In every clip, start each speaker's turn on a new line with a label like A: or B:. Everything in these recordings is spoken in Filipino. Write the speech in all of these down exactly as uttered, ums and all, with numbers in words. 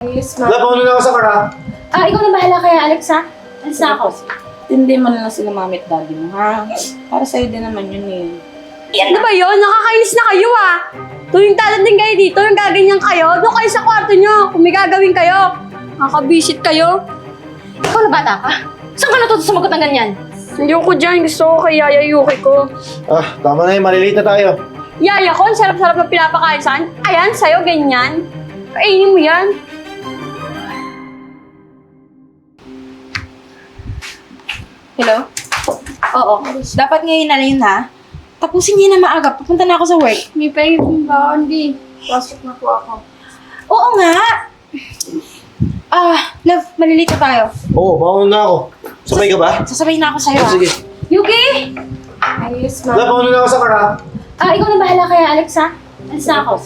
A: Ayos, ma'am.
B: Wala, pauna na ako sa car, ha?
A: Ah, ikaw na bahala kaya, Alex, ha? Alis na ako.
C: Hindi mo na lang sila mami at daddy mo, ha? Para sa'yo din naman yun eh.
D: Ano ba yun? Nakakainis na kayo ah! Tuwing dadating kayo dito, yung gaganyan kayo, doon kayo sa kwarto nyo, kung may gagawin kayo. Nakakabisit kayo.
A: Ikaw na bata ka? Saan ka natuto sumagot ng ganyan?
D: Hindi ko dyan, gusto ko kay Yaya Yuki ko.
B: Ah, tama na yun. Malilate na tayo.
D: Yaya ko, ang sarap-sarap na pinapakain saan. Ayan, sa'yo, ganyan. Kainin mo yan.
C: Hello? Oo. Dapat ngayon na yun, ha? Tapusin niya na maaga. Pupunta na ako sa work.
A: May pahingin ba, hindi? Pasok na po ako.
C: Oo nga! Ah, love, malilito tayo.
B: Oo, pauna na ako. Sabay ka ba?
C: Sasabay na ako sa'yo, ha?
B: Sige.
A: Yuki! Ayos,
B: Wala,
A: ma'am.
B: pauna na ako sa car, ha?
A: Ah, ikaw na bahala kaya, Alex, ha? Alis na ako.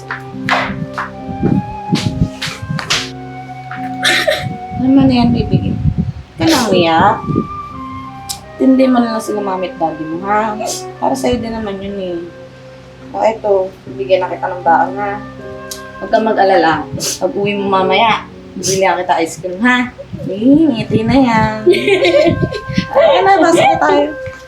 C: Ano mo na yan, baby? Ka na umiyak. Tindi mo na lang sila mami at daddy mo, ha? Para sa'yo din naman yun eh. O eto, bigyan na kita ng baon, ha? Huwag kang mag-alala. Pag uwi mo mamaya, bibili kita ice cream, ha? Eh, ngiti na yan. Ay, na, basa na tayo.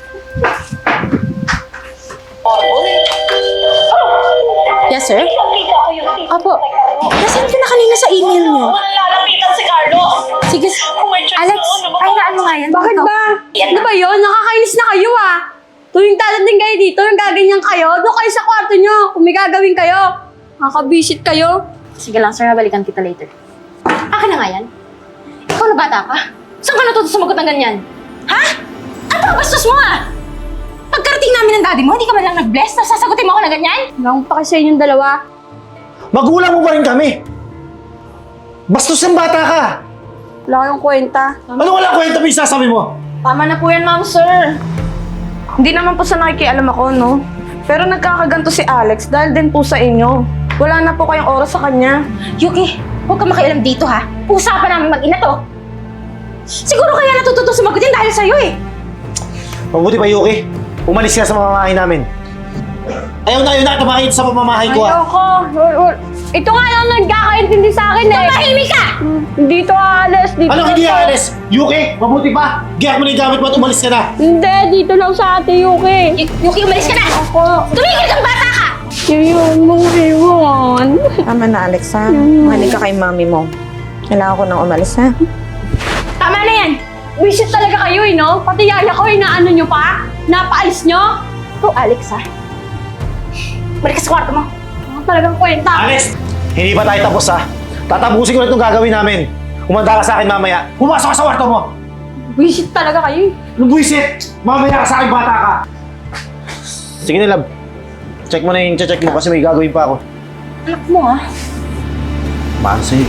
C: Yes, sir? Opo. Nasaan ka na kanina sa email niyo?
E: Lalapitan si Carlo.
C: Sige,
A: Alex, ay naan mo nga yan.
D: Bakit ba? Ano ba yun? Nakakainis na kayo ah! Tuwing dadating kayo dito, yung gaganyan kayo, doon kayo sa kwarto nyo, kung may gagawin kayo. Nakakabisit kayo.
A: Sige lang, sir. Balikan kita later. Akin na nga yan. Ikaw na bata ka? Saan ka natuto sumagot ng ganyan?
C: Ha? Ano ba bastos mo, ah? Pagkarating namin ng daddy mo, hindi ka man lang nag-bless na sasagutin mo ako na ganyan?
D: Wala akong paki sa inyong dalawa.
B: Magulang mo pa rin kami. Bastos ng bata ka.
D: Wala kayong kwenta.
B: Ano wala kwenta mo yung sasabi mo?
C: Tama na po yan, ma'am, sir. Hindi naman po sa nakikialam ako, no? Pero nagkakaganto si Alex dahil din po sa inyo. Wala na po kayong oras sa kanya.
A: Yuki, huwag ka makialam dito, ha? Usapan namin mag-ina to. Siguro kaya natututo sumagutin dahil sa'yo, eh.
B: Mabuti pa, Yuki. Umalis ka sa mamamahay namin. Ayaw na, ayaw na tumakit sa pamamahay ko, ha?
D: Ayoko. Ito nga lang nagkakaintindi sa akin eh.
A: Tumahimik ka!
D: Dito alis, dito
B: Ano
D: lang
B: hindi
D: sa-
B: alis? Yuki, mabuti pa. Giyat mo na yung gamit mo at umalis ka na.
D: Hindi, dito lang sa ate Yuki.
A: Y- Yuki, umalis ka na!
D: Ako.
A: Tumigil kang bata ka!
D: Yun mong iwan.
C: Tama na, Alex, ha? Mahalig ka kay mami mo. Kailangan ko nang umalis, ha?
D: Tama na yan. Wisit talaga kayo eh, no? Pati yaya ko, inaano nyo pa? Napaalis nyo?
A: Ikaw, Alex, ha? Balik ka sa kwarto mo.
D: Ano talagang kwenta?
B: Alex, hindi pa tayo tapos, ha? Tatapusin ko na itong gagawin namin. Kumanda ka sa akin mamaya. Pumasok ka sa kwarto mo.
D: Wisit talaga kayo eh.
B: Anong buwisit? Mamaya ka sa akin, bata ka. Sige na, love. Check mo na yung check mo kasi may gagawin pa ako.
A: Anak mo, ha?
B: Para sa'yo.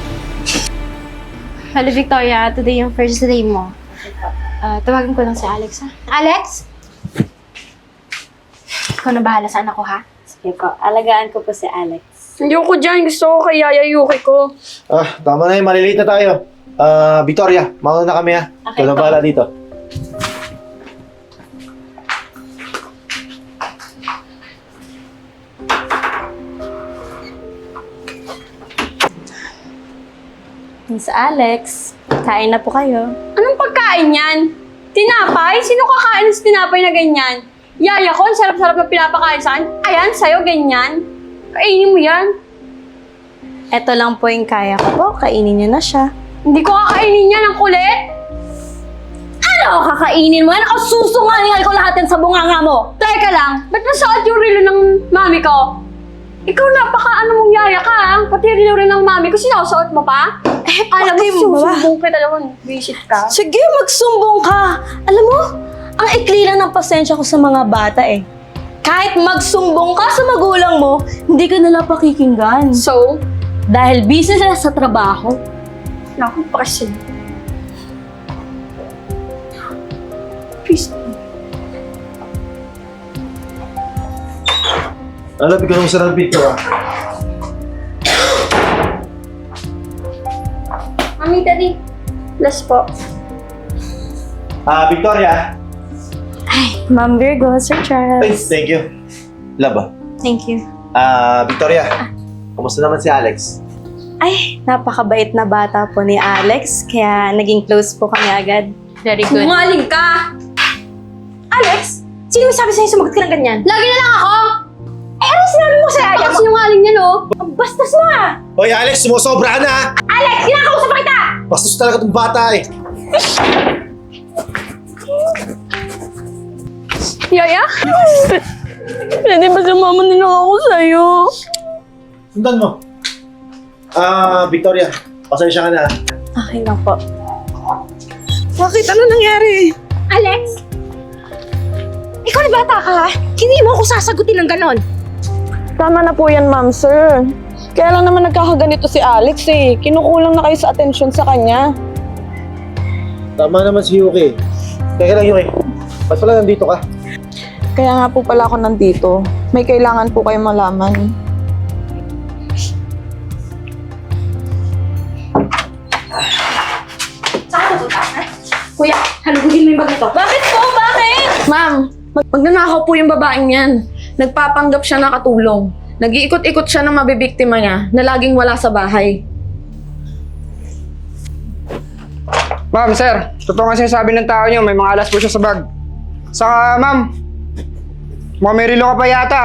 A: Hello, Victoria. Today yung first day mo. Ah, tawagin ko lang si Alex, ha? Alex? Ikaw na bahala sa anak ko, ha?
F: Sige po, alagaan ko po si Alex.
D: Hindi ko dyan. Gusto ko kay Yaya Yuki ko.
B: Ah, tama na yun. Malilate na tayo. Ah, Victoria, mauna na kami, ha?
F: Okay,
B: Ikaw na
F: po.
B: bahala dito.
F: Miss Alex, kain na po kayo.
D: Anong pagkain yan? Tinapay? Sino kakain sa tinapay na ganyan? Yaya ko, ang sarap-sarap na pinapakain saan. Ayan, sa'yo, ganyan. Kainin mo yan.
F: Ito lang po yung kaya ko po, kainin niyo na siya.
D: Hindi ko kakainin yan, ang kulit.
F: Ano kakainin mo yan? Ako susungalingal ko lahat yan sa bunganga mo.
D: Teka lang, ba't nasuot yung relo ng mami ko? Ikaw napaka ano mong yaya ka, ha? Pati relo rin ng mami ko, sinusuot mo pa?
F: Eh,
D: Alam mo,
F: bakit mo ba?
D: susumbong kita naman. Visit ka.
F: Sige, magsumbong ka. Alam mo, ang ikli lang ng pasensya ko sa mga bata eh. Kahit magsumbong ka sa magulang mo, hindi ka nila pakikinggan.
D: So,
F: Dahil busy sila sa trabaho.
D: naku, pakisin. Please.
B: Alam, ikaw nung sarang picture, ha?
D: Mami, Daddy. Bless po.
B: Ah, Victoria.
F: Ma'am Virgo, Sir Charles.
B: Ay, thank you. Love, ah.
F: Thank you.
B: Ah, Victoria. Kumusta naman si Alex?
F: Ay, napakabait na bata po ni Alex, kaya naging close po kami agad.
D: Very good. Sinungaling ka!
A: Alex, sino may sabi sa'yo sumagot ka ng ganyan?
D: Lagi na lang ako!
A: Eh, ano sinabi mo sa yaya
D: Baka
A: mo?
D: sinungaling niya, no?
A: Ang bastos mo ah!
B: Hoy Alex, sumusobra ka na!
A: Alex, kinakausap pa kita!
B: Bastos talaga itong bata eh.
D: Yaya? Pwede ba sumama na lang ako sa'yo?
B: Sundan mo. Ah, Victoria, pasensya ka na.
F: Okay lang po.
C: Bakit? Ano nangyari?
A: Alex? Ikaw na bata ka ha? Hindi mo ako sasagutin ng ganon.
C: Tama na po yan, ma'am, sir. Kaya lang naman nagkakaganito si Alex eh. Kinukulang na kayo sa atensyon sa kanya.
B: Tama naman si Yuki. Teka lang Yuki, ba't pala nandito ka?
C: Kaya nga po pala ako nandito. May kailangan po kayo malaman.
A: Saan ka punta, ha? Kuya, halugugin mo yung bag nito.
D: Bakit po? Bakit?
C: Ma'am, mag magnanakaw po yung babaeng yan. Nagpapanggap siya na katulong. Nag-iikot-ikot siya ng mabibiktima niya na laging wala sa bahay.
E: Ma'am, sir, totoo nga sinasabi ng tao niyo, may mga alas po siya sa bag. Saka, ma'am, mukhang may relo ka pa yata.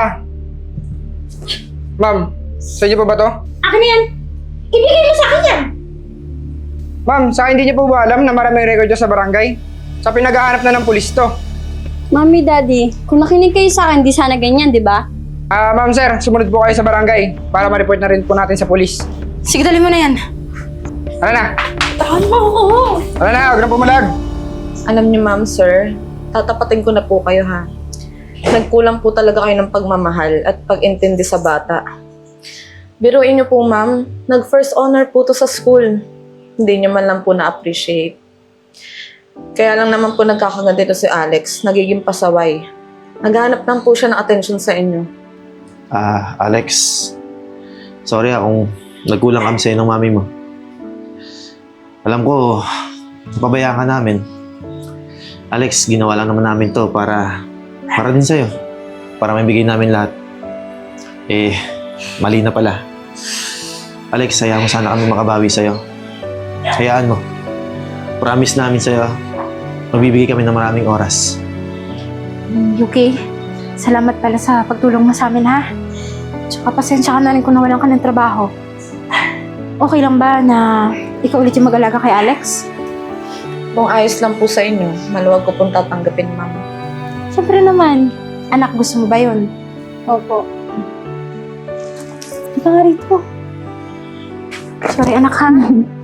E: Ma'am, sa inyo po ba to?
A: Akin na yan. Ibigay mo sa akin yan.
E: Ma'am, sa hindi niyo po ba alam na maraming record dyan sa barangay? Sa pinaghahanap na ng pulis to.
D: Mami, Daddy, kung nakinig kayo sa akin, di sana ganyan, di ba?
E: Ah, ma'am, sir, sumunod po kayo sa barangay para ma-report na rin po natin sa pulis.
A: Sige, dali mo na yan.
E: Ano na?
A: Tahan mo ako.
E: Ano na? Huwag na pumalag.
C: Alam niyo, ma'am, sir, tatapatin ko na po kayo, ha? Nagkulang po talaga kayo ng pagmamahal at pag-intindi sa bata. Biruin niyo po, ma'am, nag-first honor po to sa school. Hindi niyo man lang po na-appreciate. Kaya lang naman po nagkakaganito si Alex, nagiging pasaway. Naghahanap lang po siya ng atensyon sa inyo.
B: Ah, Alex. Sorry ah kung nagkulang kami sa'yo ng mami mo. Alam ko, pabayaan ka namin. Alex, ginawa lang naman namin to para, para din sa'yo. Para may bigay namin lahat. Eh, mali na pala. Alex, hayaan mo sana kami makabawi sa'yo. Hayaan mo. Promise namin sa'yo, magbibigay kami ng maraming oras.
A: Yuki, salamat pala sa pagtulong mo sa amin ha. Tsaka pasensya ka na rin kung nawalan ka ng trabaho. Okay lang ba na ikaw ulit yung mag-alaga kay Alex?
C: Kung ayos lang po sa inyo, maluwag ko pong tatanggapin, ma'am.
A: Siyempre naman. Anak, gusto mo ba yun?
D: Opo.
A: Ika nga rito. Sorry anak ha.